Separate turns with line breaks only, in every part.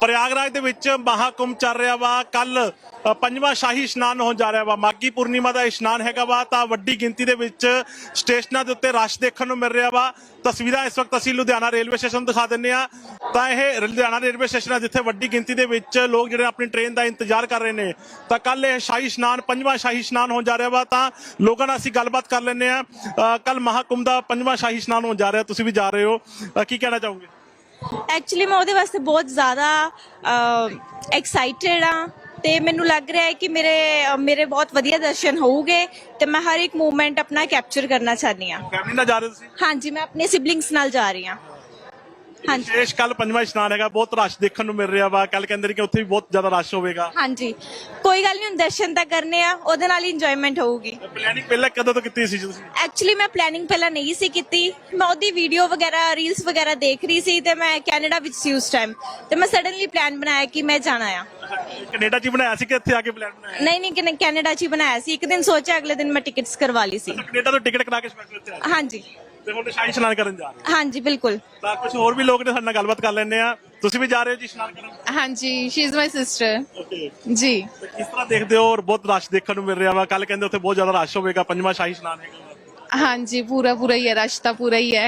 प्रयागराज ਦੇ ਵਿੱਚ ਮਹਾਕੁੰਭ ਚੱਲ ਰਿਹਾ ਵਾ। ਕੱਲ ਪੰਜਵਾਂ ਸ਼ਾਹੀ ਇਸ਼ਨਾਨ ਹੋਣ ਜਾ ਰਿਹਾ ਵਾ। ਮਾਘੀ ਪੂਰਨਿਮਾ ਦਾ ਇਸ਼ਨਾਨ ਹੈਗਾ ਵਾ ਤਾਂ ਵੱਡੀ ਗਿਣਤੀ ਦੇ ਵਿੱਚ ਸਟੇਸ਼ਨਾਂ ਦੇ ਉੱਤੇ ਰਸ਼ ਦੇਖਣ ਨੂੰ ਮਿਲ ਰਿਹਾ ਵਾ। ਤਸਵੀਰਾਂ ਇਸ ਵਕਤ ਅਸੀਂ ਲੁਧਿਆਣਾ ਰੇਲਵੇ ਸਟੇਸ਼ਨ ਦਿਖਾ ਦਿੰਦੇ ਆ। ਤਾਂ ਇਹ ਲੁਧਿਆਣਾ ਰੇਲਵੇ ਸਟੇਸ਼ਨ ਹੈ ਜਿੱਥੇ ਵੱਡੀ ਗਿਣਤੀ ਦੇ ਵਿੱਚ ਲੋਕ ਜਿਹੜੇ ਆਪਣੀ ਟ੍ਰੇਨ ਦਾ ਇੰਤਜ਼ਾਰ ਕਰ ਰਹੇ ਨੇ। ਤਾਂ ਕੱਲ ਇਹ ਸ਼ਾਹੀ ਇਸ਼ਨਾਨ ਪੰਜਵਾਂ ਸ਼ਾਹੀ ਇਸ਼ਨਾਨ ਹੋਣ ਜਾ ਰਿਹਾ ਵਾ। ਤਾਂ ਲੋਕਾਂ ਨਾਲ ਅਸੀਂ ਗੱਲਬਾਤ ਕਰ ਲੈਂਦੇ ਆ। ਕੱਲ ਮਹਾਕੁੰਭ ਦਾ ਪੰਜਵਾਂ ਸ਼ਾਹੀ ਇਸ਼ਨਾਨ ਹੋਣ ਜਾ ਰਿਹਾ, ਤੁਸੀਂ ਵੀ ਜਾ ਰਹੇ ਹੋ, ਕੀ ਕਹਿਣਾ ਚਾਹੋਗੇ?
ਐਕਚੁਅਲੀ ਮੈਂ ਉਹਦੇ ਵਾਸਤੇ ਬਹੁਤ ਜ਼ਿਆਦਾ ਐਕਸਾਈਟਿਡ ਆ ਤੇ ਮੈਨੂੰ ਲੱਗ ਰਿਹਾ ਹੈ ਕਿ ਮੇਰੇ ਬਹੁਤ ਵਧੀਆ ਦਰਸ਼ਨ ਹੋਊਗੇ ਤੇ ਮੈਂ ਹਰ ਇੱਕ ਮੂਵਮੈਂਟ ਆਪਣਾ ਕੈਪਚਰ ਕਰਨਾ ਚਾਹਨੀ ਆ।
ਫੈਮਿਲੀ ਨਾਲ ਜਾ ਰਹੇ ਤੁਸੀਂ?
ਹਾਂਜੀ, ਮੈਂ ਆਪਣੇ ਸਿਬਲਿੰਗਸ ਨਾਲ ਜਾ ਰਹੀ ਹਾਂ। ਹਾਂਜੀ,
ਵਿਸ਼ੇਸ਼ ਕੱਲ ਪੰਜਵਾਂ ਇਸ਼ਨਾਨ ਹੈਗਾ, ਬਹੁਤ ਰਸ਼ ਦੇਖਣ ਨੂੰ ਮਿਲ ਰਿਹਾ ਵਾ। ਕੱਲ ਕਹਿੰਦੇ ਨੇ ਕਿ ਉੱਥੇ ਵੀ ਬਹੁਤ ਜ਼ਿਆਦਾ ਰਸ਼ ਹੋਵੇਗਾ।
ਹਾਂਜੀ, ਕੋਈ ਗੱਲ ਨਹੀਂ, ਹੁਣ ਦਰਸ਼ਨ ਤਾਂ ਕਰਨੇ ਆ, ਉਹਦੇ ਨਾਲ ਹੀ ਇੰਜੋਇਮੈਂਟ ਹੋਊਗੀ।
ਪਲੈਨਿੰਗ ਪਹਿਲਾਂ ਕਦੋਂ ਤੋਂ ਕੀਤੀ ਸੀ ਤੁਸੀਂ?
ਐਕਚੁਅਲੀ ਮੈਂ ਪਲੈਨਿੰਗ ਪਹਿਲਾਂ ਨਹੀਂ ਸੀ ਕੀਤੀ। ਮੈਂ ਉਹਦੀ ਵੀਡੀਓ ਵਗੈਰਾ ਰੀਲਸ ਵਗੈਰਾ ਦੇਖ ਰਹੀ ਸੀ ਤੇ ਮੈਂ ਕੈਨੇਡਾ ਵਿੱਚ ਸੀ ਉਸ ਟਾਈਮ ਤੇ ਮੈਂ ਸਡਨਲੀ ਪਲਾਨ ਬਣਾਇਆ ਕਿ ਮੈਂ ਜਾਣਾ ਆ।
ਕੈਨੇਡਾ 'ਚ ਬਣਾਇਆ ਸੀ ਕਿ ਇੱਥੇ ਆ ਕੇ ਪਲਾਨ ਬਣਾਇਆ?
ਨਹੀਂ, ਕੈਨੇਡਾ 'ਚ ਹੀ ਬਣਾਇਆ ਸੀ। ਇੱਕ ਦਿਨ ਸੋਚਿਆ, ਅਗਲੇ ਦਿਨ ਮੈਂ ਟਿਕਟਸ ਕਰਵਾ ਲਈ ਸੀ।
ਕੈਨੇਡਾ ਤੋਂ ਟਿਕਟ ਕਰਾ ਕੇ ਸਪੈਸ਼ਲ ਇੱਥੇ ਆਏ?
ਹਾਂਜੀ
ਤੇ ਹੁਣ ਸ਼ਾਹੀ ਇਸ਼ਨਾਨ ਕਰਨ ਜਾ ਰਹੇ?
ਹਾਂਜੀ ਬਿਲਕੁਲ।
ਤਾਂ ਕੁਝ ਹੋਰ ਵੀ ਲੋਕ ਨੇ, ਸਾਡੇ ਨਾਲ ਗੱਲਬਾਤ ਕਰ ਲੈਂਦੇ ਆ। ਤੁਸੀਂ ਵੀ ਜਾ ਰਹੇ ਹੋ ਜੀ ਇਸ਼ਨਾਨ ਕਰਨ?
ਹਾਂਜੀ, she is my sister
okay
ਜੀ।
ਕਿਸ ਤਰ੍ਹਾਂ ਦੇਖਦੇ ਹੋ? ਔਰ ਬਹੁਤ ਰਸ਼ ਦੇਖਣ ਨੂੰ ਮਿਲ ਰਿਹਾ ਵਾ। ਕੱਲ ਕਹਿੰਦੇ ਉੱਥੇ ਬਹੁਤ ਜ਼ਿਆਦਾ ਰਸ਼ ਹੋਵੇਗਾ, ਪੰਜਵਾਂ ਸ਼ਾਹੀ ਇਸ਼ਨਾਨ ਹੈਗਾ।
ਹਾਂਜੀ, ਪੂਰਾ ਹੀ ਹੈ, ਰਸ਼ ਤਾਂ ਪੂਰਾ ਹੀ ਹੈ।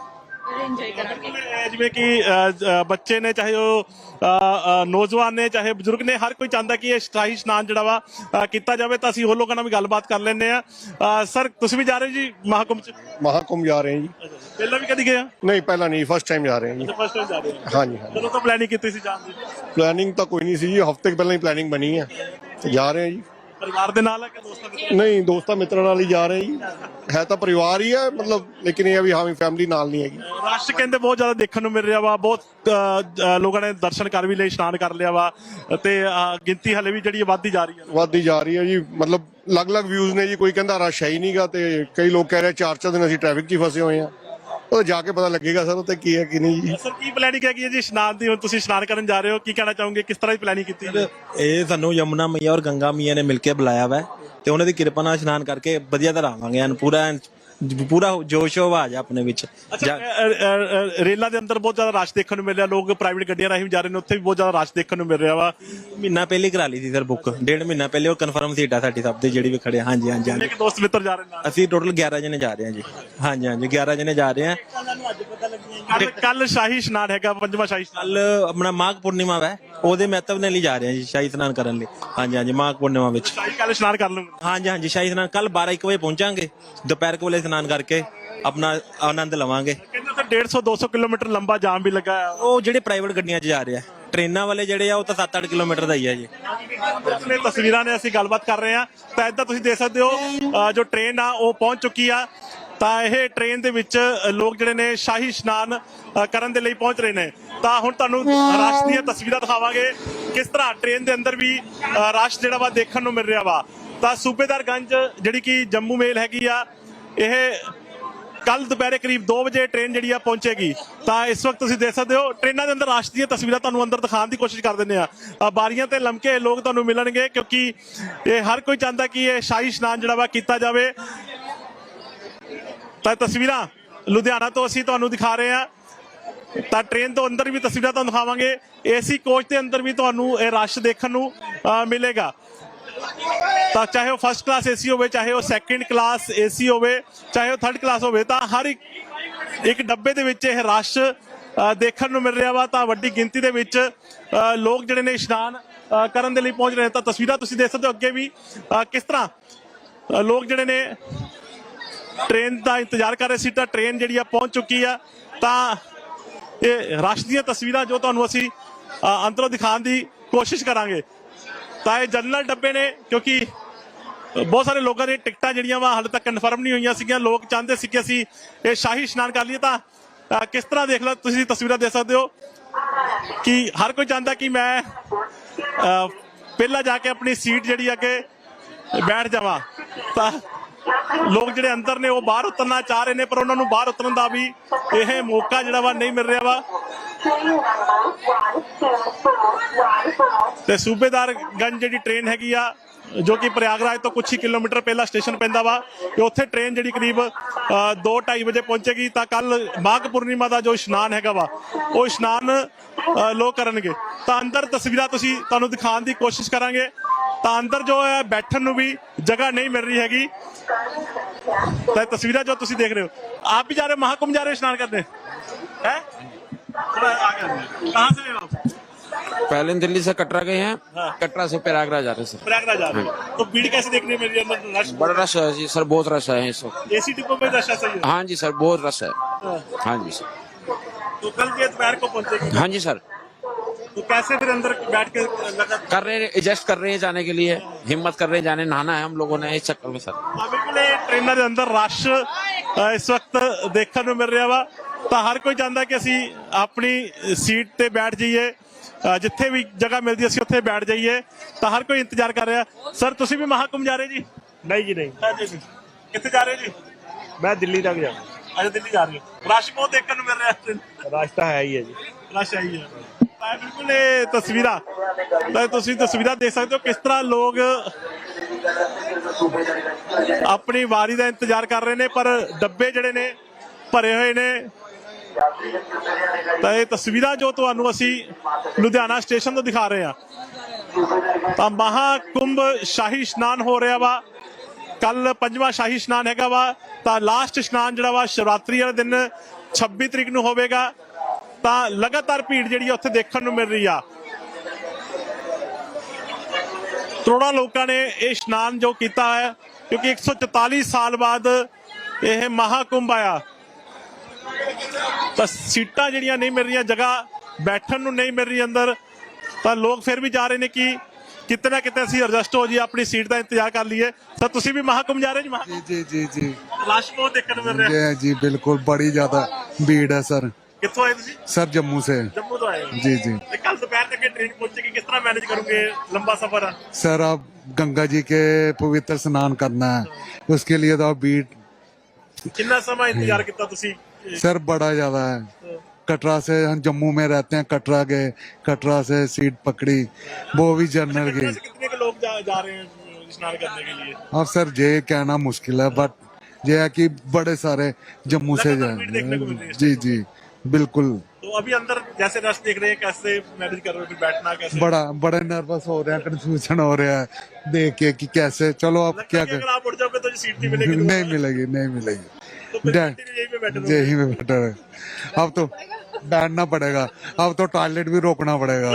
ਜਿਵੇਂ ਕਿ ਬੱਚੇ ਨੇ, ਚਾਹੇ ਉਹ ਨੌਜਵਾਨ ਨੇ, ਚਾਹੇ ਬਜ਼ੁਰਗ ਨੇ, ਹਰ ਕੋਈ ਚਾਹੁੰਦਾ ਕਿ ਇਹ ਸ਼ਾਹੀ ਇਸ਼ਨਾਨ ਜਿਹੜਾ ਵਾ ਕੀਤਾ ਜਾਵੇ। ਤਾਂ ਅਸੀਂ ਹੋਰ ਲੋਕਾਂ ਨਾਲ ਵੀ ਗੱਲਬਾਤ ਕਰ ਲੈਂਦੇ ਆ। ਸਰ, ਤੁਸੀਂ ਵੀ ਜਾ ਰਹੇ ਹੋ ਜੀ ਮਹਾਕੁੰਭ 'ਚ?
महाकुंभ जा रहे हैं जी।
ਪਹਿਲਾਂ ਵੀ ਕਦੀ ਗਏ ਆ?
नहीं पहला नहीं, फर्स्ट टाइम जा रहे हैं जी।
ਫਸਟ ਟਾਈਮ ਜਾ ਰਹੇ ਹੋ?
हाँ जी हाँ।
ਕਦੋਂ ਤੋਂ ਪਲੈਨਿੰਗ ਕੀਤੀ ਸੀ ਜਾਣ ਦੀ?
प्लानिंग तो कोई नहीं सी जी, हफ्ते पहले ही प्लानिंग बनी है तो जा रहे हैं जी।
ਪਰਿਵਾਰ ਦੇ ਨਾਲ ਹੈ ਕਿ ਦੋਸਤਾਂ ਦੇ ਨਾਲ?
नहीं दोस्तों मित्रों नाल ही जा रहे हैं जी। है तो परिवार ही है मतलब, लेकिन ये अभी हमें फैमिली नाल नहीं हैगी।
ਰਸ਼ ਕਹਿੰਦੇ ਬਹੁਤ ਜ਼ਿਆਦਾ ਦੇਖਣ ਨੂੰ ਮਿਲ ਰਿਹਾ ਵਾ। ਬਹੁਤ ਲੋਕਾਂ ਨੇ ਦਰਸ਼ਨ ਕਰ ਵੀ ਲਏ, ਇਸ਼ਨਾਨ ਕਰ ਲਿਆ ਵਾ ਤੇ ਗਿਣਤੀ ਹਲੇ ਵੀ ਜਿਹੜੀ ਵੱਧਦੀ ਜਾ ਰਹੀ ਹੈ।
वादी जा रही है जी, मतलब अलग-अलग व्यूज ने जी। कोई कहता रश है ही नहीं गा ते कई लोग कह रहे 4-4 दिन ਅਸੀਂ ट्रैफिक 'ਚ ਹੀ फसे ਹੋਏ ਆ। ਉਹ ਜਾ ਕੇ ਪਤਾ ਲੱਗੇਗਾ ਸਰ ਉੱਤੇ ਕੀ ਹੈ ਕੀ ਨਹੀਂ ਜੀ।
ਸਰ, ਕੀ ਪਲੈਨਿੰਗ ਹੈਗੀ ਹੈ ਜੀ ਇਸ਼ਨਾਨ ਦੀ? ਹੁਣ ਤੁਸੀਂ ਇਸ਼ਨਾਨ ਕਰਨ ਜਾ ਰਹੇ ਹੋ, ਕੀ ਕਹਿਣਾ ਚਾਹੋਗੇ? ਕਿਸ ਤਰ੍ਹਾਂ ਦੀ ਪਲੈਨਿੰਗ ਕੀਤੀ ਹੈ?
ਇਹ ਸਾਨੂੰ ਯਮੁਨਾ ਮਈਆ ਔਰ ਗੰਗਾ ਮਈਆ ਨੇ ਮਿਲ ਕੇ ਬੁਲਾਇਆ ਵਾ ਤੇ ਉਹਨਾਂ ਦੀ ਕਿਰਪਾ ਨਾਲ ਇਸ਼ਨਾਨ ਕਰਕੇ ਵਧੀਆ ਤਰ੍ਹਾਂ ਆਵਾਂਗੇ। ਪੂਰਾ ਜੋਸ਼ ਆਵਾਜ਼ ਆਪਣੇ ਵਿੱਚ।
ਅੱਛਾ, ਰੇਲਾਂ ਦੇ ਅੰਦਰ ਬਹੁਤ ਜ਼ਿਆਦਾ ਰਸ਼ ਦੇਖਣ ਨੂੰ ਮਿਲ ਰਿਹਾ। ਲੋਕ ਪ੍ਰਾਈਵੇਟ ਗੱਡੀਆਂ ਰਾਹੀਂ ਜਾ ਰਹੇ ਨੇ, ਉੱਥੇ ਵੀ ਬਹੁਤ ਜ਼ਿਆਦਾ ਰਸ਼ ਦੇਖਣ ਨੂੰ ਮਿਲ ਰਿਹਾ ਵਾ।
ਮਹੀਨਾ ਪਹਿਲੇ ਕਰਾ ਲਈ ਸੀ ਸਰ ਬੁੱਕ, 1.5 ਮਹੀਨਾ ਪਹਿਲੇ। ਉਹ ਕਨਫਰਮ ਸੀਟ ਆ ਸਾਡੀ ਸਭ ਦੇ ਜਿਹੜੀ ਵੀ ਖੜੇ। ਹਾਂਜੀ ਹਾਂਜੀ ਹਾਂਜੀ।
ਇੱਕ ਦੋਸਤ ਮਿੱਤਰ ਜਾ ਰਹੇ ਨਾਲ?
ਅਸੀਂ ਟੋਟਲ 11 ਜਣੇ ਜਾ ਰਹੇ ਹਾਂ ਜੀ। ਹਾਂਜੀ ਹਾਂਜੀ, 11 ਜਣੇ ਜਾ ਰਹੇ ਹਾਂ।
ਕੱਲ ਸ਼ਾਹੀ ਇਸ਼ਨਾਨ ਹੈਗਾ, ਪੰਜਵਾਂ ਸ਼ਾਹੀ ਇਸ਼ਨਾਨ।
ਕੱਲ ਆਪਣਾ ਮਾਘ ਪੂਰਨਿਮਾ ਵਾ, ਉਹਦੇ ਮਹੱਤਵ ਨਾਲ ਹੀ ਜਾ ਰਹੇ ਹਾਂ ਜੀ ਸ਼ਾਹੀ ਇਸ਼ਨਾਨ ਕਰਨ ਲਈ। ਹਾਂਜੀ ਹਾਂਜੀ, ਮਾਘ ਪੂਰਨਿਮਾ ਵਿੱਚ।
ਸ਼ਾਹੀ ਕੱਲ ਇਸ਼ਨਾਨ ਕਰ ਲੂੰਗਾ?
ਹਾਂਜੀ ਹਾਂਜੀ, ਸ਼ਾਹੀ ਇਸ਼ਨਾਨ ਕੱਲ 12-1 ਵਜੇ ਪਹੁੰਚਾਂਗੇ। ਦੁਪਹਿਰ ਵੇਲੇ ਇਸ਼ਨਾਨ ਕਰਕੇ ਆਪਣਾ ਆਨੰਦ ਲਵਾਂਗੇ।
ਕਹਿੰਦੇ ਉੱਥੇ 150-200 ਕਿਲੋਮੀਟਰ ਲੰਬਾ ਜਾਮ ਵੀ ਲੱਗਾ ਆ।
ਉਹ ਜਿਹੜੇ ਪ੍ਰਾਈਵੇਟ ਗੱਡੀਆਂ 'ਚ ਜਾ ਰਹੇ ਆ, ਟ੍ਰੇਨਾਂ ਵਾਲੇ ਜਿਹੜੇ ਆ ਉਹ ਤਾਂ 7-8 ਕਿਲੋਮੀਟਰ ਦਾ ਹੀ ਆ ਜੀ।
ਇਹ ਤਸਵੀਰਾਂ ਨੇ, ਅਸੀਂ ਗੱਲਬਾਤ ਕਰ ਰਹੇ ਹਾਂ। ਤਾਂ ਇੱਦਾਂ ਤੁਸੀਂ ਦੇਖ ਸਕਦੇ ਹੋ ਜੋ ਟ੍ਰੇਨ ਆ ਉਹ ਪਹੁੰਚ ਚੁੱਕੀ ਆ। ਤਾਂ ਇਹ ਟ੍ਰੇਨ ਦੇ ਵਿੱਚ ਲੋਕ ਜਿਹੜੇ ਨੇ ਸ਼ਾਹੀ ਇਸ਼ਨਾਨ ਕਰਨ ਦੇ ਲਈ ਪਹੁੰਚ ਰਹੇ ਨੇ। ਤਾਂ ਹੁਣ ਤੁਹਾਨੂੰ ਰਸ਼ ਦੀਆਂ ਤਸਵੀਰਾਂ ਦਿਖਾਵਾਂਗੇ ਕਿਸ ਤਰ੍ਹਾਂ ਟ੍ਰੇਨ ਦੇ ਅੰਦਰ ਵੀ ਰਸ਼ ਜਿਹੜਾ ਵਾ ਦੇਖਣ ਨੂੰ ਮਿਲ ਰਿਹਾ ਵਾ। ਤਾਂ ਸੂਬੇਦਾਰਗੰਜ ਜਿਹੜੀ ਕਿ ਜੰਮੂ ਮੇਲ ਹੈਗੀ ਆ, ਇਹ ਕੱਲ ਦੁਪਹਿਰੇ ਕਰੀਬ 2 ਵਜੇ ਟ੍ਰੇਨ ਜਿਹੜੀ ਆ ਪਹੁੰਚੇਗੀ। ਤਾਂ ਇਸ ਵਕਤ ਤੁਸੀਂ ਦੇਖ ਸਕਦੇ ਹੋ ਟ੍ਰੇਨਾਂ ਦੇ ਅੰਦਰ ਰਸ਼ ਦੀਆਂ ਤਸਵੀਰਾਂ ਤੁਹਾਨੂੰ ਅੰਦਰ ਦਿਖਾਉਣ ਦੀ ਕੋਸ਼ਿਸ਼ ਕਰ ਦਿੰਦੇ ਆ। ਬਾਰੀਆਂ ਤੇ ਲੰਮਕੇ ਲੋਕ ਤੁਹਾਨੂੰ ਮਿਲਣਗੇ ਕਿਉਂਕਿ ਇਹ ਹਰ ਕੋਈ ਚਾਹੁੰਦਾ ਕਿ ਇਹ ਸ਼ਾਹੀ ਇਸ਼ਨਾਨ ਜਿਹੜਾ ਵਾ ਕੀਤਾ ਜਾਵੇ। ਤਾਂ ਤਸਵੀਰਾਂ ਲੁਧਿਆਣਾ ਤੋਂ ਅਸੀਂ ਤੁਹਾਨੂੰ ਦਿਖਾ ਰਹੇ ਹਾਂ। ਤਾਂ ਟ੍ਰੇਨ ਤੋਂ ਅੰਦਰ ਵੀ ਤਸਵੀਰਾਂ ਤੁਹਾਨੂੰ ਦਿਖਾਵਾਂਗੇ। ਏਸੀ ਕੋਚ ਦੇ ਅੰਦਰ ਵੀ ਤੁਹਾਨੂੰ ਇਹ ਰਸ਼ ਦੇਖਣ ਨੂੰ ਮਿਲੇਗਾ। ਤਾਂ ਚਾਹੇ ਉਹ ਫਸਟ ਕਲਾਸ ਏਸੀ ਹੋਵੇ, ਚਾਹੇ ਉਹ ਸੈਕਿੰਡ ਕਲਾਸ ਏਸੀ ਹੋਵੇ, ਚਾਹੇ ਉਹ ਥਰਡ ਕਲਾਸ ਹੋਵੇ, ਤਾਂ ਹਰ ਇੱਕ ਡੱਬੇ ਦੇ ਵਿੱਚ ਇਹ ਰਸ਼ ਦੇਖਣ ਨੂੰ ਮਿਲ ਰਿਹਾ ਵਾ। ਤਾਂ ਵੱਡੀ ਗਿਣਤੀ ਦੇ ਵਿੱਚ ਲੋਕ ਜਿਹੜੇ ਨੇ ਇਸ਼ਨਾਨ ਕਰਨ ਦੇ ਲਈ ਪਹੁੰਚ ਰਹੇ ਨੇ। ਤਾਂ ਤਸਵੀਰਾਂ ਤੁਸੀਂ ਦੇਖ ਸਕਦੇ ਹੋ ਅੱਗੇ ਵੀ ਕਿਸ ਤਰ੍ਹਾਂ ਲੋਕ ਜਿਹੜੇ ਨੇ ਟ੍ਰੇਨ ਦਾ ਇੰਤਜ਼ਾਰ ਕਰ ਰਹੇ ਸੀ। ਤਾਂ ਟ੍ਰੇਨ ਜਿਹੜੀ ਆ ਪਹੁੰਚ ਚੁੱਕੀ ਆ। ਤਾਂ ਇਹ ਰਸ਼ ਦੀਆਂ ਤਸਵੀਰਾਂ ਜੋ ਤੁਹਾਨੂੰ ਅਸੀਂ ਅੰਦਰੋਂ ਦਿਖਾਉਣ ਦੀ ਕੋਸ਼ਿਸ਼ ਕਰਾਂਗੇ। ਤਾਂ ਇਹ ਜਨਰਲ ਡੱਬੇ ਨੇ ਕਿਉਂਕਿ ਬਹੁਤ ਸਾਰੇ ਲੋਕਾਂ ਦੀਆਂ ਟਿਕਟਾਂ ਜਿਹੜੀਆਂ ਵਾ ਹਾਲੇ ਤੱਕ ਕਨਫਰਮ ਨਹੀਂ ਹੋਈਆਂ ਸੀਗੀਆਂ। ਲੋਕ ਚਾਹੁੰਦੇ ਸੀ ਕਿ ਅਸੀਂ ਇਹ ਸ਼ਾਹੀ ਇਸ਼ਨਾਨ ਕਰ ਲਈਏ। ਤਾਂ ਕਿਸ ਤਰ੍ਹਾਂ ਦੇਖ ਲਓ, ਤੁਸੀਂ ਤਸਵੀਰਾਂ ਦੇਖ ਸਕਦੇ ਹੋ ਕਿ ਹਰ ਕੋਈ ਚਾਹੁੰਦਾ ਕਿ ਮੈਂ ਪਹਿਲਾਂ ਜਾ ਕੇ ਆਪਣੀ ਸੀਟ ਜਿਹੜੀ ਅੱਗੇ ਬੈਠ ਜਾਵਾਂ। ਤਾਂ ਲੋਕ ਜਿਹੜੇ ਅੰਦਰ ਨੇ ਉਹ ਬਾਹਰ ਉਤਰਨਾ ਚਾਹ ਰਹੇ ਨੇ, ਪਰ ਉਹਨਾਂ ਨੂੰ ਬਾਹਰ ਉਤਰਨ ਦਾ ਵੀ ਇਹ ਮੌਕਾ ਜਿਹੜਾ ਵਾ ਨਹੀਂ ਮਿਲ ਰਿਹਾ ਵਾ। ਤੇ ਸੂਬੇਦਾਰਗੰਜ ਜਿਹੜੀ ਟ੍ਰੇਨ ਹੈਗੀ ਆ ਜੋ ਕਿ ਪ੍ਰਯਾਗਰਾਜ ਤੋਂ ਕੁਝ ਹੀ ਕਿਲੋਮੀਟਰ ਪਹਿਲਾਂ ਸਟੇਸ਼ਨ ਪੈਂਦਾ ਵਾ ਤੇ ਉੱਥੇ ਟ੍ਰੇਨ ਜਿਹੜੀ ਕਰੀਬ 2:30 ਵਜੇ ਪਹੁੰਚੇਗੀ। ਤਾਂ ਕੱਲ ਮਾਘ ਪੂਰਨਿਮਾ ਦਾ ਜੋ ਇਸ਼ਨਾਨ ਹੈਗਾ ਵਾ ਉਹ ਇਸ਼ਨਾਨ ਲੋਕ ਕਰਨਗੇ। ਤਾਂ ਅੰਦਰ ਤਸਵੀਰਾਂ ਤੁਹਾਨੂੰ ਦਿਖਾਉਣ ਦੀ ਕੋਸ਼ਿਸ਼ ਕਰਾਂਗੇ। ਤਾਂ ਅੰਦਰ ਜੋ ਹੈ ਬੈਠਣ ਨੂੰ ਵੀ ਜਗ੍ਹਾ ਨਹੀਂ ਮਿਲ ਰਹੀ ਹੈਗੀ। ਤਾਂ ਤਸਵੀਰਾਂ ਜੋ ਤੁਸੀਂ ਦੇਖ ਰਹੇ ਹੋ, ਆਪ भी जा रहे हो महाकुंभ जा रहे हो स्नान करने हैं? कहाँ से हो आप?
पहले दिल्ली से कटरा गए हैं।
हाँ।
कटरा से प्रयागराज जा रहे हैं सर।
प्रयागराज जा रहे हो तो भीड़ कैसे देखने मिल रही है अंदर? रश
बड़ा रश है जी सर, बहुत रश है इस वक्त।
एसी डिब्बों में रश है सही है?
हाँ जी सर, बहुत रश है।
हाँ।
हाँ जी सर।
तो कल ये दोपहर को पहुंचेगी।
हाँ जी सर,
तो कैसे फिर अंदर बैठ के लगा?
कर रहे हैं, एडजस्ट कर रहे हैं जाने के लिए, हिम्मत कर रहे हैं जाने, नहाना है हम लोगों ने इस चक्कर में सर।
हाँ बिल्कुल, ये ट्रेनों ਦੇ ਅੰਦਰ ਰਸ਼ ਇਸ ਵਕਤ ਦੇਖਣ ਨੂੰ ਮਿਲ ਰਿਹਾ ਵਾ। ਤਾਂ ਹਰ ਕੋਈ ਚਾਹੁੰਦਾ ਕਿ ਅਸੀਂ ਆਪਣੀ ਸੀਟ ਤੇ ਬੈਠ ਜਾਈਏ, ਜਿੱਥੇ ਵੀ ਜਗ੍ਹਾ ਮਿਲਦੀ ਅਸੀਂ ਉੱਥੇ ਬੈਠ ਜਾਈਏ। ਤਾਂ ਹਰ ਕੋਈ ਇੰਤਜ਼ਾਰ ਕਰ ਰਿਹਾ। ਸਰ ਤੁਸੀਂ ਵੀ ਮਹਾਕੁੰਭ ਜਾ ਰਹੇ ਜੀ?
नहीं जी नहीं,
ਹਾਂਜੀ ਜੀ। ਕਿੱਥੇ ਜਾ ਰਹੇ ਜੀ?
मैं दिल्ली तक जाऊँ।
ਅੱਜ ਦਿੱਲੀ ਜਾ ਰਹੇ ਹੋ। ਰਸ਼ ਬਹੁਤ ਦੇਖਣ ਨੂੰ ਮਿਲ ਰਿਹਾ।
रास्ता है ही है जी।
ਰਸ਼ ਆਈ ਹੈ। ਤਾਂ ਬਿਲਕੁਲ ਇਹ ਤਸਵੀਰਾਂ, ਤਾਂ ਤੁਸੀਂ ਤਸਵੀਰਾਂ ਦੇਖ ਸਕਦੇ ਹੋ ਕਿਸ ਤਰ੍ਹਾਂ ਲੋਕ ਆਪਣੀ ਵਾਰੀ ਦਾ ਇੰਤਜ਼ਾਰ ਕਰ ਰਹੇ ਨੇ, ਪਰ ਡੱਬੇ ਜਿਹੜੇ ਨੇ ਭਰੇ ਹੋਏ ਨੇ। ਤਾਂ ਇਹ ਤਸਵੀਰਾਂ ਜੋ ਤੁਹਾਨੂੰ ਅਸੀਂ ਲੁਧਿਆਣਾ ਸਟੇਸ਼ਨ ਤੋਂ ਦਿਖਾ ਰਹੇ ਹਾਂ। ਤਾਂ ਮਹਾਕੁੰਭ ਸ਼ਾਹੀ ਇਸ਼ਨਾਨ ਹੋ ਰਿਹਾ ਵਾ। ਕੱਲ 5ਵਾਂ ਸ਼ਾਹੀ ਇਸ਼ਨਾਨ ਹੈਗਾ ਵਾ। ਤਾਂ ਲਾਸਟ ਇਸ਼ਨਾਨ ਜਿਹੜਾ ਵਾ ਸ਼ਿਵਰਾਤਰੀ ਵਾਲੇ ਦਿਨ 26 ਤਰੀਕ ਨੂੰ ਹੋਵੇਗਾ। ਤਾਂ ਲਗਾਤਾਰ ਭੀੜ ਜਿਹੜੀ ਆ ਉੱਥੇ ਦੇਖਣ ਨੂੰ ਮਿਲ ਰਹੀ ਆ। ਕਰੋੜਾਂ ਲੋਕਾਂ ਨੇ ਇਹ ਇਸ਼ਨਾਨ ਜੋ ਕੀਤਾ ਹੈ, ਕਿਉਂਕਿ 144 ਸਾਲ ਬਾਅਦ ਇਹ ਮਹਾਕੁੰਭ ਆਇਆ। ਤਾਂ ਸੀਟਾਂ ਜਿਹੜੀਆਂ ਨਹੀਂ ਮਿਲ ਰਹੀਆਂ, ਜਗ੍ਹਾ ਬੈਠਣ ਨੂੰ ਨਹੀਂ ਮਿਲ ਰਹੀ ਅੰਦਰ। ਤਾਂ ਲੋਕ ਫਿਰ ਵੀ ਜਾ ਰਹੇ ਨੇ ਕਿ ਕਿਤੇ ਨਾ ਕਿਤੇ ਅਸੀਂ ਐਡਜਸਟ ਹੋ ਜੀ, ਆਪਣੀ ਸੀਟ ਦਾ ਇੰਤਜ਼ਾਰ ਕਰ ਲਈਏ। ਸਰ ਤੁਸੀਂ ਵੀ ਮਹਾਕੁੰਭ ਜਾ ਰਹੇ ਜੀ?
जी जी जी
ਰਸ਼ ਬਹੁਤ ਦੇਖਣ ਨੂੰ ਮਿਲ ਰਿਹਾ।
जी जी बिल्कुल, बड़ी ज्यादा भीड़ है सर।
ਕਿੱਥੋਂ ਆਏ ਤੁਸੀਂ?
सर जम्मू से।
ਜੰਮੂ ਤੋਂ ਆਏ ਹੋ?
जी जी
ਤੇ ਕੱਲ ਦੁਪਹਿਰ ਤੱਕ ਇਹ ਟ੍ਰੇਨ ਪਹੁੰਚੇਗੀ, ਕਿਸ ਤਰ੍ਹਾਂ ਮੈਨੇਜ ਕਰੋਗੇ? ਲੰਬਾ ਸਫ਼ਰ ਆ।
सर अब गंगा जी के पवित्र स्नान करना है, उसके लिए तो अब भीड़
ਕਿੰਨਾ ਸਮਾਂ ਇੰਤਜ਼ਾਰ ਕੀਤਾ ਤੁਸੀਂ?
सर बड़ा ज्यादा है। कटरा से हम जम्मू में रहते हैं, कटरा गए, कटरा से सीट पकड़ी, वो भी जनरल
कितने
गई।
से कितने के लोग जा रहे हैं स्नान करने के लिए?
अब सर ये कहना मुश्किल है, बट ये है कि बड़े सारे जम्मू से
लगातार भीड़ देखने को मिल रही
जाए।
है।
जी जी बिल्कुल।
तो अभी अंदर जैसे रश देख रहे हैं, कैसे मैनेज कर रहे हो? फिर बैठना कैसे?
बड़े नर्वस हो रहे हैं, कंफ्यूजन हो रहा है देख के कि कैसे। चलो अब
लगता
क्या
है कि
कर,
अगर आप उठ जाओगे तो सीट नहीं मिलेगी
नहीं
दोबारा।
मिलेगी, नहीं मिलेगी।
तो फिर
डै-
कंटिन्यू यहीं पे बैठे रहोगे।
यही में बेटर है। अब तो बैठना पड़ेगा, अब तो टॉयलेट भी रोकना पड़ेगा।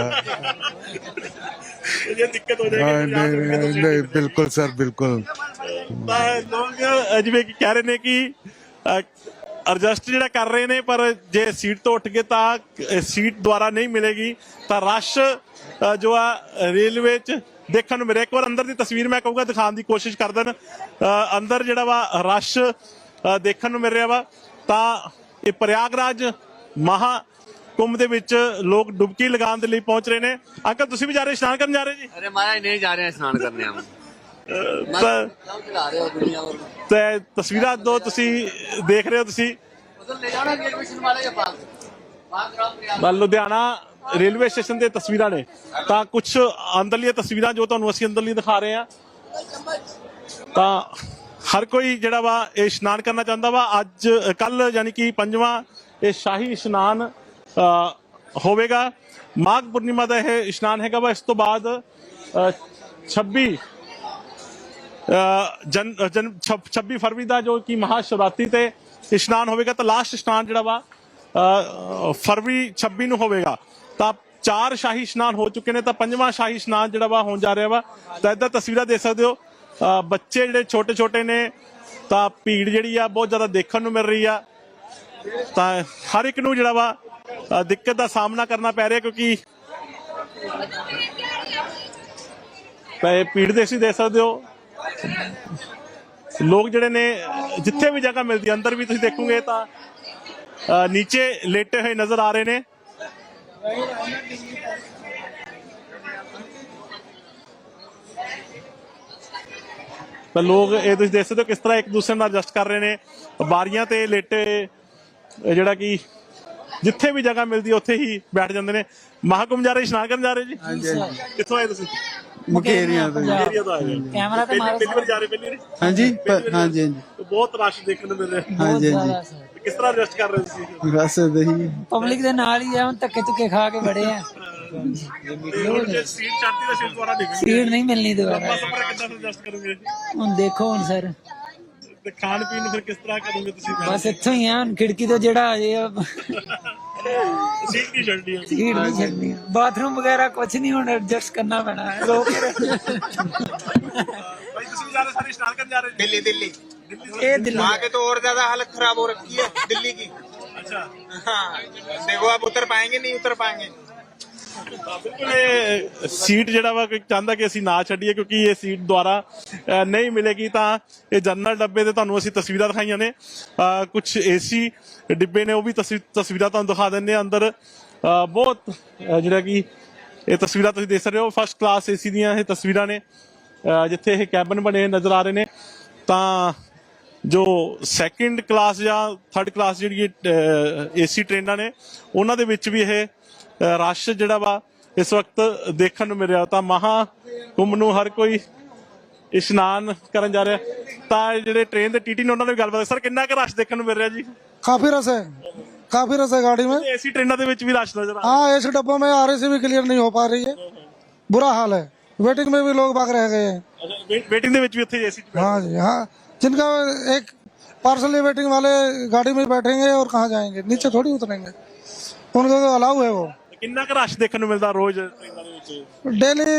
तो ये दिक्कत हो
हाँ,
जाएगी। यहाँ से
नहीं
रुके तो
नहीं
सीट
नहीं,
नहीं
बिल्कुल सर बिल्कुल।
मिलेगी। लोग ਜਿਵੇਂ ਕਿ ਕਹਿ ਰਹੇ ਨੇ ਕਿ ਐਡਜਸਟ ਜਿਹੜਾ ਕਰ ਰਹੇ ਨੇ, ਪਰ ਜੇ ਸੀਟ ਤੋਂ ਉੱਠ ਗਏ ਤਾਂ ਸੀਟ ਦੁਆਰਾ ਨਹੀਂ ਮਿਲੇਗੀ। ਤਾਂ ਰਸ਼ ਜੋ ਆ ਰੇਲਵੇ 'ਚ ਦੇਖਣ ਨੂੰ ਮਿਲਿਆ। ਇੱਕ ਵਾਰ ਅੰਦਰ ਦੀ ਤਸਵੀਰ ਮੈਂ ਕਹੂੰਗਾ ਦਿਖਾਉਣ ਦੀ ਕੋਸ਼ਿਸ਼ ਕਰ ਦੇਣ। ਅੰਦਰ ਜਿਹੜਾ ਵਾ ਰਸ਼ ਦੇਖਣ ਨੂੰ ਮਿਲ ਰਿਹਾ ਵਾ। ਤਾਂ ਇਹ ਪ੍ਰਯਾਗਰਾਜ ਮਹਾਕੁੰਭ ਦੇ ਵਿੱਚ ਲੋਕ ਡੁਬਕੀ ਲਗਾਉਣ ਦੇ ਲਈ ਪਹੁੰਚ ਰਹੇ ਨੇ। ਅੰਕਲ ਤੁਸੀਂ ਵੀ ਜਾ ਰਹੇ, ਇਸ਼ਨਾਨ ਕਰਨ ਜਾ ਰਹੇ ਜੀ?
अरे महाराज नहीं जा रहे हैं स्नान करने हम।
ਤਾਂ
चला रहे हो दुनिया और
ਤੇ ਤਸਵੀਰਾਂ ਦੋ ਤੁਸੀਂ ਦੇਖ ਰਹੇ ਹੋ ਤੁਸੀਂ
उधर ले जाना रेलवे स्टेशन वाले के पास। वहाँ ग्राम प्रयाग।
ਤਾਂ ਲੁਧਿਆਣਾ ਰੇਲਵੇ ਸਟੇਸ਼ਨ ਦੇ ਤਸਵੀਰਾਂ ਨੇ। ਤਾਂ ਕੁਝ ਅੰਦਰਲੀਆਂ ਤਸਵੀਰਾਂ ਜੋ ਤੁਹਾਨੂੰ ਅਸੀਂ ਅੰਦਰਲੀ ਦਿਖਾ ਰਹੇ ਹਾਂ। ਤਾਂ ਹਰ ਕੋਈ ਜਿਹੜਾ ਵਾ ਇਹ ਇਸ਼ਨਾਨ ਕਰਨਾ ਚਾਹੁੰਦਾ ਵਾ। ਅੱਜ ਕੱਲ ਯਾਨੀ ਕਿ 5ਵਾਂ ਇਹ ਸ਼ਾਹੀ ਇਸ਼ਨਾਨ ਹੋਵੇਗਾ। ਮਾਘ ਪੂਰਨਿਮਾ ਦਾ ਇਹ ਇਸ਼ਨਾਨ ਹੈਗਾ ਵਾ। ਇਸ ਤੋਂ ਬਾਅਦ 26 ਫਰਵਰੀ ਦਾ ਜੋ ਕਿ ਮਹਾਸ਼ਿਵਰਾਤਰੀ ਤੇ ਇਸ਼ਨਾਨ ਹੋਵੇਗਾ। ਤਾਂ ਲਾਸਟ ਇਸ਼ਨਾਨ ਜਿਹੜਾ ਵਾ ਫਰਵਰੀ 26 ਨੂੰ ਹੋਵੇਗਾ। ਤਾਂ 4 ਸ਼ਾਹੀ ਇਸ਼ਨਾਨ ਹੋ ਚੁੱਕੇ ਨੇ। ਤਾਂ 5ਵਾਂ ਸ਼ਾਹੀ ਇਸ਼ਨਾਨ ਜਿਹੜਾ ਵਾ ਹੋਣ ਜਾ ਰਿਹਾ ਵਾ। ਤਾਂ ਇੱਦਾਂ ਤਸਵੀਰਾਂ ਦੇਖ ਸਕਦੇ ਹੋ। ਬੱਚੇ ਜਿਹੜੇ ਛੋਟੇ ਛੋਟੇ ਨੇ, ਤਾਂ ਭੀੜ ਜਿਹੜੀ ਆ ਬਹੁਤ ਜ਼ਿਆਦਾ ਦੇਖਣ ਨੂੰ ਮਿਲ ਰਹੀ ਆ। ਤਾਂ ਹਰ ਇੱਕ ਨੂੰ ਜਿਹੜਾ ਵਾ ਦਿੱਕਤ ਦਾ ਸਾਹਮਣਾ ਕਰਨਾ ਪੈ ਰਿਹਾ, ਕਿਉਂਕਿ ਤਾਂ ਇਹ ਭੀੜ ਦੇ ਤੁਸੀਂ ਦੇਖ ਸਕਦੇ ਹੋ। ਲੋਕ ਜਿਹੜੇ ਨੇ ਜਿੱਥੇ ਵੀ ਜਗ੍ਹਾ ਮਿਲਦੀ ਅੰਦਰ ਵੀ ਤੁਸੀਂ ਦੇਖੋਗੇ ਤਾਂ ਨੀਚੇ ਲੇਟੇ ਹੋਏ ਨਜ਼ਰ ਆ ਰਹੇ ਨੇ। ਤਾਂ ਲੋਕ ਇਹ ਤੁਸੀਂ ਦੇਖ ਸਕਦੇ ਹੋ ਕਿਸ ਤਰ੍ਹਾਂ ਇੱਕ ਦੂਸਰੇ ਨਾਲ ਐਡਜਸਟ ਕਰ ਰਹੇ ਨੇ। ਬਾਰੀਆਂ ਤੇ ਲੇਟੇ ਜਿਹੜਾ ਕਿ ਜਿੱਥੇ ਵੀ ਜਗ੍ਹਾ ਮਿਲਦੀ ਹੈ ਉੱਥੇ ਹੀ ਬੈਠ ਜਾਂਦੇ ਨੇ। ਮਹਾਕੁੰਭ ਜਾ ਰਹੇ, ਇਸ਼ਨਾਨ ਕਰਨ ਜਾ ਰਹੇ ਜੀ? ਕਿੱਥੋਂ ਆਏ ਤੁਸੀਂ?
ਮੁਕੇਰੀਆਂ ਤੋਂ
ਏਰੀਆ ਤੋਂ ਆਏ ਹੋ।
कैमरा तो मारो
ਪਹਿਲੀ ਵਾਰ ਜਾ ਰਹੇ? ਪਹਿਲੀ ਵਾਰੀ?
ਹਾਂਜੀ
ਪਹਿਲੀ ਵਾਰੀ?
ਹਾਂਜੀ
ਬਹੁਤ ਰਸ਼ ਦੇਖਣ ਨੂੰ ਮਿਲ ਰਿਹਾ।
ਹਾਂਜੀ ਹਾਂਜੀ
ਕਿਸ ਤਰ੍ਹਾਂ ਰੈਸਟ ਕਰ ਰਹੇ ਤੁਸੀਂ?
ਬਸ ਦਹੀਂ
पब्लिक ਦੇ ਨਾਲ ਹੀ ਆ, ਹੁਣ ਧੱਕੇ ਧੁੱਕੇ ਖਾ ਕੇ ਬੜੇ ਆ।
ਜੇ ਸੀਟ ਚੜਦੀ ਤਾਂ ਸੀਟ ਦੁਆਰਾ ਨਿਕਲ
ਸੀਟ ਨਹੀਂ ਮਿਲਣੀ ਦੁਬਾਰਾ।
ਸਫਰ ਕਿੱਦਾਂ ਐਡਜਸਟ ਕਰੋਗੇ?
ਹੁਣ ਦੇਖੋ ਹੁਣ ਸਰ,
ਤੇ ਖਾਣ ਪੀਣ ਨੂੰ ਫਿਰ ਕਿਸ ਤਰ੍ਹਾਂ ਕਰੋਗੇ ਤੁਸੀਂ?
ਬਸ ਇੱਥੋਂ ਹੀ ਆ, ਹੁਣ ਖਿੜਕੀ ਤੋਂ ਜਿਹੜਾ ਆ ਜੇ
ਸੀਟ ਕੀ ਛੱਡਣੀ ਹੈ?
ਸੀਟ ਨਹੀਂ ਛੱਡਣੀ। ਬਾਥਰੂਮ ਵਗੈਰਾ ਕੁਝ ਨਹੀਂ, ਹੁਣ ਐਡਜਸਟ ਕਰਨਾ ਪੈਣਾ ਹੈ। ਰੋ ਕੇ
ਭਾਈ ਤੁਸੀਂ ਜਾ ਰਹੇ ਸਾਰੇ ਇਸ਼ਨਾਨ ਕਰਨ ਜਾ ਰਹੇ ਜੀ?
दिल्ली दिल्ली
ਇਹ ਦਿੱਲੀ
वहाँ के तो और ज्यादा हालत खराब हो रखी है दिल्ली की।
ਅੱਛਾ।
हाँ देखो आप उतर पाएंगे नहीं उतर पाएंगे।
ਬਿਲਕੁਲ ਇਹ ਸੀਟ ਜਿਹੜਾ ਵਾ ਕੋਈ ਚਾਹੁੰਦਾ ਕਿ ਅਸੀਂ ਨਾ ਛੱਡੀਏ, ਕਿਉਂਕਿ ਇਹ ਸੀਟ ਦੁਆਰਾ ਨਹੀਂ ਮਿਲੇਗੀ। ਤਾਂ ਇਹ ਜਨਰਲ ਡੱਬੇ ਤੇ ਤੁਹਾਨੂੰ ਅਸੀਂ ਤਸਵੀਰਾਂ ਦਿਖਾਈਆਂ ਨੇ, ਕੁਝ ਏਸੀ ਡਿੱਬੇ ਨੇ, ਉਹ ਵੀ ਤਸਵੀਰਾਂ ਤੁਹਾਨੂੰ ਦਿਖਾ ਦਿੰਦੇ ਆ। ਅੰਦਰ ਬਹੁਤ ਜਿਹੜਾ ਕਿ ਇਹ ਤਸਵੀਰਾਂ ਤੁਸੀਂ ਦੇਖ ਸਕਦੇ ਹੋ, ਫਸਟ ਕਲਾਸ ਏਸੀ ਦੀਆਂ ਇਹ ਤਸਵੀਰਾਂ ਨੇ, ਜਿੱਥੇ ਇਹ ਕੈਬਨ ਬਣੇ ਨਜ਼ਰ ਆ ਰਹੇ ਨੇ। ਤਾਂ ਜੋ ਸੈਕਿੰਡ ਕਲਾਸ ਜਾਂ ਥਰਡ ਕਲਾਸ ਜਿਹੜੀ ਏਸੀ ਟ੍ਰੇਨਾਂ ਨੇ, ਉਹਨਾਂ ਦੇ ਵਿੱਚ ਵੀ ਇਹ ਰਸ਼ ਜਿਹੜਾ ਵਾ ਇਸ ਵਕਤ ਦੇਖਣ ਨੂੰ ਮਿਲ ਰਿਹਾ। ਤਾਂ ਮਹਾਕੁੰਭ ਨੂੰ ਹਰ ਕੋਈ ਇਸ਼ਨਾਨ ਕਰਨ ਜਾ ਰਿਹਾ। ਤਾਂ ਜਿਹੜੇ ਟ੍ਰੇਨ ਦੇ ਟੀਟੀ ਨੇ ਉਹਨਾਂ ਨੇ ਵੀ ਗੱਲਬਾਤ। ਸਰ, ਕਿੰਨਾ ਕੁ ਰਸ਼ ਦੇਖਣ ਨੂੰ ਮਿਲ ਰਿਹਾ ਜੀ?
काफी रस है, काफी रस है गाड़ी में।
ਏਸੀ ਟ੍ਰੇਨਾਂ ਦੇ ਵਿੱਚ ਵੀ ਰਸ਼ ਨਜ਼ਰ ਆ ਰਿਹਾ।
हाँ, ऐसे डब्बों में RAC भी क्लियर नहीं हो पा रही है, बुरा हाल है। वेटिंग में भी लोग भाग रह गए हैं।
ਅੱਛਾ, ਵੇਟਿੰग ਦੇ ਵਿੱਚ ਵੀ ਉੱਥੇ ਏਸੀ
हाँ जी हाँ, जिनका एक पार्सली वेटिंग वाले गाड़ी में बैठेंगे और कहाँ जाएंगे, नीचे थोड़ी उतरेंगे, उनका तो अलाउ है वो।
ਕਿੰਨਾ ਕੁ ਰਸ਼ ਦੇਖਣ ਨੂੰ ਮਿਲਦਾ ਰੋਜ਼ ਟ੍ਰੇਨਾਂ ਦੇ ਵਿੱਚ?
डेली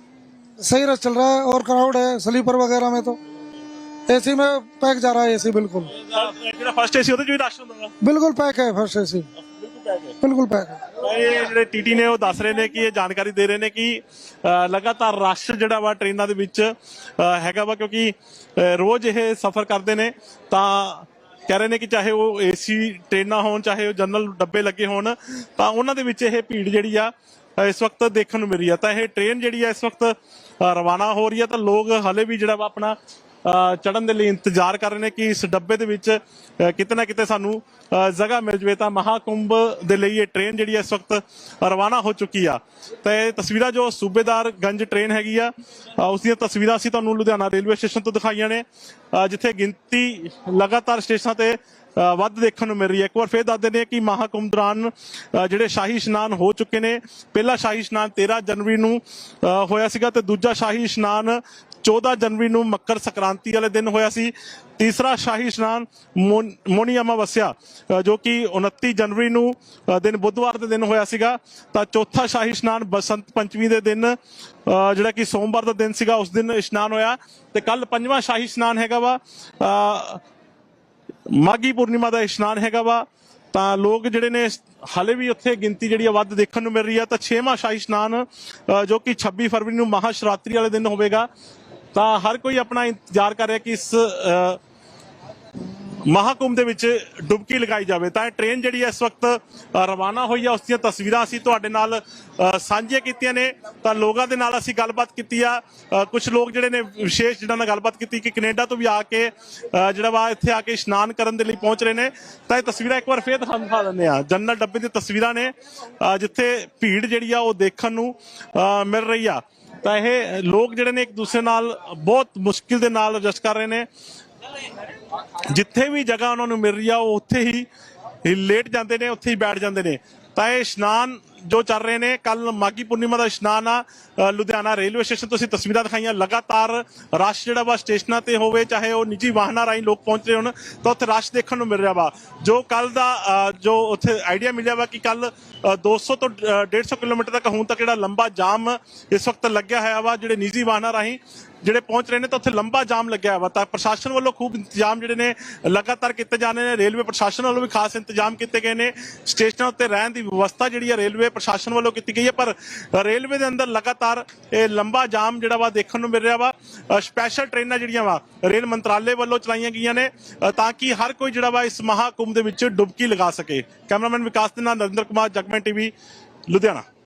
सही रस चल रहा है और क्राउड है। स्लीपर वगैरह में तो एसी में पैक जा रहा है, एसी बिल्कुल
ਜਿਹੜਾ ਫਸਟ ਏਸੀ ਉਹਦੇ ਚ ਵੀ ਰਸ਼ ਹੁੰਦਾ ਵਾ?
बिल्कुल पैक है। फर्स्ट एसी बिल्कुल पैक है।
ਇਹ ਜਿਹੜੇ ਟੀਟੀ ਨੇ ਉਹ ਦੱਸ ਰਹੇ ਨੇ ਕਿ ਇਹ ਜਾਣਕਾਰੀ ਦੇ ਰਹੇ ਨੇ ਕਿ ਲਗਾਤਾਰ ਰਸ਼ ਜਿਹੜਾ ਵਾ ਟ੍ਰੇਨਾਂ ਦੇ ਵਿੱਚ ਹੈਗਾ ਵਾ, ਕਿਉਂਕਿ ਰੋਜ਼ ਇਹ ਸਫ਼ਰ ਕਰਦੇ ਨੇ। ਤਾਂ ਕਹਿ ਰਹੇ ਨੇ ਕਿ ਚਾਹੇ ਉਹ ਏਸੀ ਟ੍ਰੇਨਾਂ ਹੋਣ, ਚਾਹੇ ਉਹ ਜਨਰਲ ਡੱਬੇ ਲੱਗੇ ਹੋਣ, ਤਾਂ ਉਹਨਾਂ ਦੇ ਵਿੱਚ ਇਹ ਭੀੜ ਜਿਹੜੀ ਆ ਇਸ ਵਕਤ ਦੇਖਣ ਨੂੰ ਮਿਲ ਰਹੀ ਆ। ਤਾਂ ਇਹ ਟ੍ਰੇਨ ਜਿਹੜੀ ਆ ਇਸ ਵਕਤ ਰਵਾਨਾ ਹੋ ਰਹੀ ਆ। ਤਾਂ ਲੋਕ ਹਲੇ ਵੀ ਜਿਹੜਾ ਵਾ ਆਪਣਾ ਚੜਨ ਦੇ ਲਈ ਇੰਤਜ਼ਾਰ ਕਰ ਰਹੇ ਨੇ ਕਿ ਇਸ ਡੱਬੇ ਦੇ ਵਿੱਚ ਕਿਤੇ ਨਾ ਕਿਤੇ ਸਾਨੂੰ ਜਗ੍ਹਾ ਮਿਲ ਜਵੇ। ਤਾਂ ਮਹਾਕੁੰਭ ਦੇ ਲਈ ਇਹ ਟ੍ਰੇਨ ਜਿਹੜੀ ਇਸ ਵਕਤ ਰਵਾਨਾ ਹੋ ਚੁੱਕੀ ਆ। ਤਾਂ ਇਹ ਤਸਵੀਰਾਂ ਜੋ ਸੂਬੇਦਾਰਗੰਜ ਟ੍ਰੇਨ ਹੈਗੀ ਆ, ਉਸ ਦੀਆਂ ਤਸਵੀਰਾਂ ਅਸੀਂ ਤੁਹਾਨੂੰ ਲੁਧਿਆਣਾ ਰੇਲਵੇ ਸਟੇਸ਼ਨ ਤੋਂ ਦਿਖਾਈਆਂ ਨੇ, ਜਿੱਥੇ ਗਿਣਤੀ ਲਗਾਤਾਰ ਸਟੇਸ਼ਨਾਂ ਤੇ ਵੱਧ ਦੇਖਣ ਨੂੰ ਮਿਲ ਰਹੀ ਹੈ। ਇੱਕ ਵਾਰ ਫੇਰ ਦੱਸ ਦਿੰਦੇ ਹਾਂ ਕਿ ਮਹਾਕੁੰਭ ਦੌਰਾਨ ਜਿਹੜੇ ਸ਼ਾਹੀ ਇਸ਼ਨਾਨ ਹੋ ਚੁੱਕੇ ਨੇ। ਪਹਿਲਾ ਸ਼ਾਹੀ ਇਸ਼ਨਾਨ 13 ਜਨਵਰੀ ਨੂੰ ਹੋਇਆ ਸੀਗਾ, ਤੇ ਦੂਜਾ ਸ਼ਾਹੀ ਇਸ਼ਨਾਨ 14 ਜਨਵਰੀ ਨੂੰ ਮੱਕਰ ਸੰਕ੍ਰਾਂਤੀ ਵਾਲੇ ਦਿਨ ਹੋਇਆ ਸੀ। ਤੀਸਰਾ ਸ਼ਾਹੀ ਇਸ਼ਨਾਨ ਮੋਨੀ ਅਮਾਵਸਿਆ ਜੋ ਕਿ 29 ਜਨਵਰੀ ਨੂੰ ਦਿਨ ਬੁੱਧਵਾਰ ਦੇ ਦਿਨ ਹੋਇਆ ਸੀਗਾ। ਤਾਂ ਚੌਥਾ ਸ਼ਾਹੀ ਇਸ਼ਨਾਨ ਬਸੰਤ ਪੰਚਮੀ ਦੇ ਦਿਨ ਜਿਹੜਾ ਕਿ ਸੋਮਵਾਰ ਦਾ ਦਿਨ ਸੀਗਾ, ਉਸ ਦਿਨ ਇਸ਼ਨਾਨ ਹੋਇਆ। ਤੇ ਕੱਲ ਪੰਜਵਾਂ ਸ਼ਾਹੀ ਇਸ਼ਨਾਨ ਹੈਗਾ ਵਾ, ਮਾਘੀ ਪੂਰਨਿਮਾ ਦਾ ਇਸ਼ਨਾਨ ਹੈਗਾ ਵਾ। ਤਾਂ ਲੋਕ ਜਿਹੜੇ ਨੇ ਹਾਲੇ ਵੀ ਉੱਥੇ ਗਿਣਤੀ ਜਿਹੜੀ ਆ ਵੱਧ ਦੇਖਣ ਨੂੰ ਮਿਲ ਰਹੀ ਆ। ਤਾਂ 6ਵਾਂ ਸ਼ਾਹੀ ਇਸ਼ਨਾਨ ਜੋ ਕਿ 26 ਫਰਵਰੀ ਨੂੰ ਮਹਾਸ਼ਿਵਰਾਤਰੀ ਵਾਲੇ ਦਿਨ ਹੋਵੇਗਾ। ਤਾਂ ਹਰ ਕੋਈ ਆਪਣਾ ਇੰਤਜ਼ਾਰ ਕਰ ਰਿਹਾ ਕਿ ਇਸ ਮਹਾਕੁੰਭ ਦੇ ਵਿੱਚ ਡੁਬਕੀ ਲਗਾਈ ਜਾਵੇ। ਤਾਂ ਇਹ ਟ੍ਰੇਨ ਜਿਹੜੀ ਇਸ ਵਕਤ ਰਵਾਨਾ ਹੋਈ ਆ, ਉਸ ਦੀਆਂ ਤਸਵੀਰਾਂ ਅਸੀਂ ਤੁਹਾਡੇ ਨਾਲ ਸਾਂਝੀਆਂ ਕੀਤੀਆਂ ਨੇ। ਤਾਂ ਲੋਕਾਂ ਦੇ ਨਾਲ ਅਸੀਂ ਗੱਲਬਾਤ ਕੀਤੀ ਆ। ਕੁਝ ਲੋਕ ਜਿਹੜੇ ਨੇ ਵਿਸ਼ੇਸ਼ ਜਿਹਨਾਂ ਨਾਲ ਗੱਲਬਾਤ ਕੀਤੀ ਕਿ ਕੈਨੇਡਾ ਤੋਂ ਵੀ ਆ ਕੇ ਜਿਹੜਾ ਵਾ ਇੱਥੇ ਆ ਕੇ ਇਸ਼ਨਾਨ ਕਰਨ ਦੇ ਲਈ ਪਹੁੰਚ ਰਹੇ ਨੇ। ਤਾਂ ਇਹ ਤਸਵੀਰਾਂ ਇੱਕ ਵਾਰ ਫੇਰ ਦਿਖਾ ਦਿੰਦੇ ਆ। ਜਨਰਲ ਡੱਬੇ ਦੀਆਂ ਤਸਵੀਰਾਂ ਨੇ, ਜਿੱਥੇ ਭੀੜ ਜਿਹੜੀ ਆ ਉਹ ਦੇਖਣ ਨੂੰ ਮਿਲ ਰਹੀ ਆ। ਤਾਂ ਇਹ ਲੋਕ ਜਿਹੜੇ ਨੇ ਇੱਕ ਦੂਸਰੇ ਨਾਲ ਬਹੁਤ ਮੁਸ਼ਕਿਲ ਦੇ ਨਾਲ ਐਡਜਸਟ ਕਰ ਰਹੇ ਨੇ। ਜਿੱਥੇ ਵੀ ਜਗ੍ਹਾ ਉਹਨਾਂ ਨੂੰ ਮਿਲ ਰਹੀ ਆ ਉਹ ਉੱਥੇ ਹੀ ਲੇਟ ਜਾਂਦੇ ਨੇ, ਉੱਥੇ ਹੀ ਬੈਠ ਜਾਂਦੇ ਨੇ। ਤਾਂ ਇਹ ਇਸ਼ਨਾਨ ਜੋ ਚੱਲ ਰਹੇ ਨੇ, ਕੱਲ ਮਾਘੀ ਪੂਰਨਿਮਾ ਦਾ ਇਸ਼ਨਾਨ ਆ। ਲੁਧਿਆਣਾ ਰੇਲਵੇ ਸਟੇਸ਼ਨ ਤੋਂ ਅਸੀਂ ਤਸਵੀਰਾਂ ਦਿਖਾਈਆਂ। ਲਗਾਤਾਰ ਰਸ਼ ਜਿਹੜਾ ਵਾ ਸਟੇਸ਼ਨਾਂ ਤੇ ਹੋਵੇ, ਚਾਹੇ ਉਹ ਨਿੱਜੀ ਵਾਹਨਾਂ ਰਾਹੀਂ ਲੋਕ ਪਹੁੰਚ ਰਹੇ ਹੋਣ, ਤਾਂ ਉੱਥੇ ਰਸ਼ ਦੇਖਣ ਨੂੰ ਮਿਲ ਰਿਹਾ ਵਾ। ਜੋ ਕੱਲ ਦਾ ਜੋ ਉੱਥੇ ਆਈਡੀਆ ਮਿਲਿਆ ਵਾ ਕਿ ਕੱਲ 200 ਤੋਂ 150 ਕਿਲੋਮੀਟਰ ਤੱਕ ਹੁਣ ਤੱਕ ਜਿਹੜਾ ਲੰਬਾ ਜਾਮ ਇਸ ਵਕਤ ਲੱਗਿਆ ਹੋਇਆ ਵਾ, ਜਿਹੜੇ ਨਿੱਜੀ ਵਾਹਨਾਂ ਰਾਹੀਂ ਜਿਹੜੇ ਪਹੁੰਚ ਰਹੇ ਨੇ, ਤਾਂ ਉੱਥੇ ਲੰਬਾ ਜਾਮ ਲੱਗਿਆ ਵਾ। ਤਾਂ ਪ੍ਰਸ਼ਾਸਨ ਵੱਲੋਂ ਖੂਬ ਇੰਤਜ਼ਾਮ ਜਿਹੜੇ ਨੇ ਲਗਾਤਾਰ ਕੀਤੇ ਜਾ ਰਹੇ ਨੇ। ਰੇਲਵੇ ਪ੍ਰਸ਼ਾਸਨ ਵੱਲੋਂ ਵੀ ਖਾਸ ਇੰਤਜ਼ਾਮ ਕੀਤੇ ਗਏ ਨੇ। ਸਟੇਸ਼ਨਾਂ ਉੱਤੇ ਰਹਿਣ ਦੀ ਵਿਵਸਥਾ ਜਿਹੜੀ ਹੈ ਰੇਲਵੇ ਪ੍ਰਸ਼ਾਸਨ ਵੱਲੋਂ ਕੀਤੀ ਗਈ ਹੈ। ਪਰ ਰੇਲਵੇ ਦੇ ਅੰਦਰ ਲਗਾਤਾਰ ਇਹ ਲੰਬਾ ਜਾਮ ਜਿਹੜਾ ਵਾ ਦੇਖਣ ਨੂੰ ਮਿਲ ਰਿਹਾ ਵਾ। ਸਪੈਸ਼ਲ ਟ੍ਰੇਨਾਂ ਜਿਹੜੀਆਂ ਵਾ ਰੇਲ ਮੰਤਰਾਲੇ ਵੱਲੋਂ ਚਲਾਈਆਂ ਗਈਆਂ ਨੇ, ਤਾਂ ਕਿ ਹਰ ਕੋਈ ਜਿਹੜਾ ਵਾ ਇਸ ਮਹਾਕੁੰਭ ਦੇ ਵਿੱਚ ਡੁਬਕੀ ਲਗਾ ਸਕੇ। ਕੈਮਰਾਮੈਨ ਵਿਕਾਸ ਦੇ ਨਾਲ ਨਰਿੰਦਰ ਕੁਮਾਰ, ਜਗਮਨ ਟੀਵੀ, ਲੁਧਿਆਣਾ।